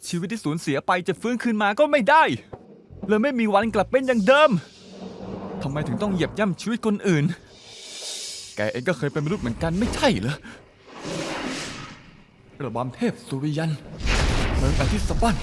ชีวิตที่สูญเสียไปจะฟื้นคืนมาก็ไม่ได้เลยไม่มีวันกลับเป็นอย่างเดิมทำไมถึงต้องเหยียบย่ำชีวิตคนอื่นแกเองก็เคยเป็นมนุษย์เหมือนกันไม่ใช่เหรอระบำเทพสุริยันเมืองอาทิตย์สะบั้น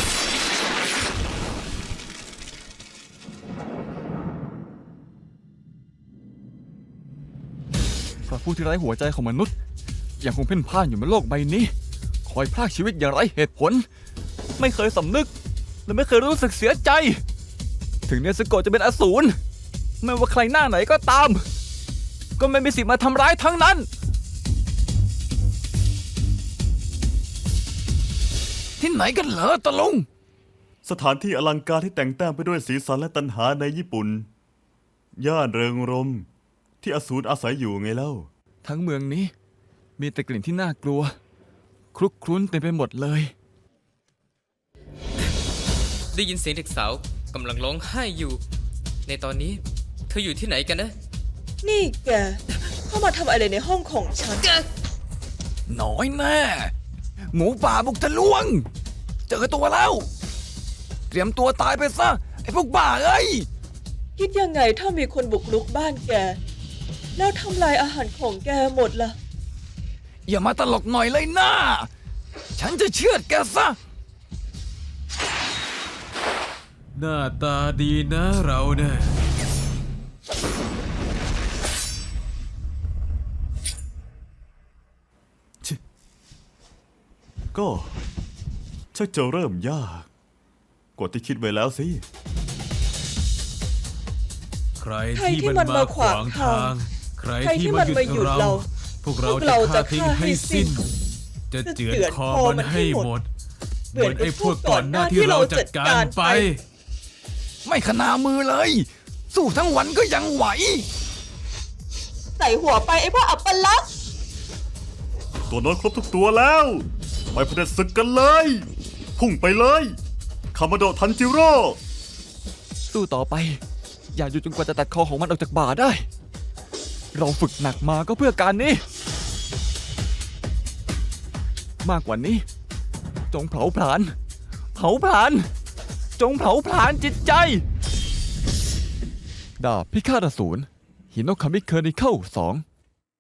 พระผู้ที่ไร้หัวใจของมนุษย์ยังคงเพ่นพ่านอยู่บนโลกใบนี้คอยพรากชีวิตอย่างไร้เหตุผลไม่เคยสำนึกและไม่เคยรู้สึกเสียใจถึงเนสโกะจะเป็นอสูรไม่ว่าใครหน้าไหนก็ตามก็ไม่มีสิทธิ์มาทำร้ายทั้งนั้นที่ไหนกันเหรอตะลุงสถานที่อลังการที่แต่งแต้มไปด้วยสีสันและตัณหาในญี่ปุ่นย่านเริงรมย์ที่อสูรอาศัยอยู่ไงเล่าทั้งเมืองนี้มีแต่กลิ่นที่น่ากลัวคลุกคลุ้นเต็มไปหมดเลยได้ยินเสียงเด็กสาวกำลังร้องไห้อยู่ในตอนนี้เธออยู่ที่ไหนกันนะนี่แกเข้ามาทำอะไรในห้องของฉันน้อยแน่หมูป่าบุกทะลวงเจอตัวแล้วเตรียมตัวตายไปซะไอ้พวกบ้าเอ้ยคิดยังไงถ้ามีคนบุกรุกบ้านแกแล้วทำลายอาหารของแกหมดล่ะอย่ามาตลกหน่อยเลยนะฉันจะเชือดแกซะหน้าตาดีนะเราเนี่ยก็ชักจะเริ่มยากกว่าที่คิดไว้แล้วสิใครที่มันมาขวางทางใครที่มันมาหยุดเราพวกเราจะฆ่าทิ้งให้สิ้นจะเจือนคอมันให้หมดเหมือนไอ้พวกก่อนหน้าที่เราจัดการไปไม่ขนามือเลยสู้ทั้งวันก็ยังไหวใส่หัวไปไอ้พวกอัปลักษณ์ตัวน้อยครบทุกตัวแล้วไปเผด็จศึกกันเลยพุ่งไปเลยคามาโดะทันจิโร่สู้ต่อไปอย่าหยุดจนกว่าจะตัดคอของมันออกจากบ่าได้เราฝึกหนักมาก็เพื่อการนี้มากกว่านี้จงเผาผลาญจงเผาผลาญจิตใจดาบพิฆาตอสูรฮิโนคามิเคอร์นิเคิล2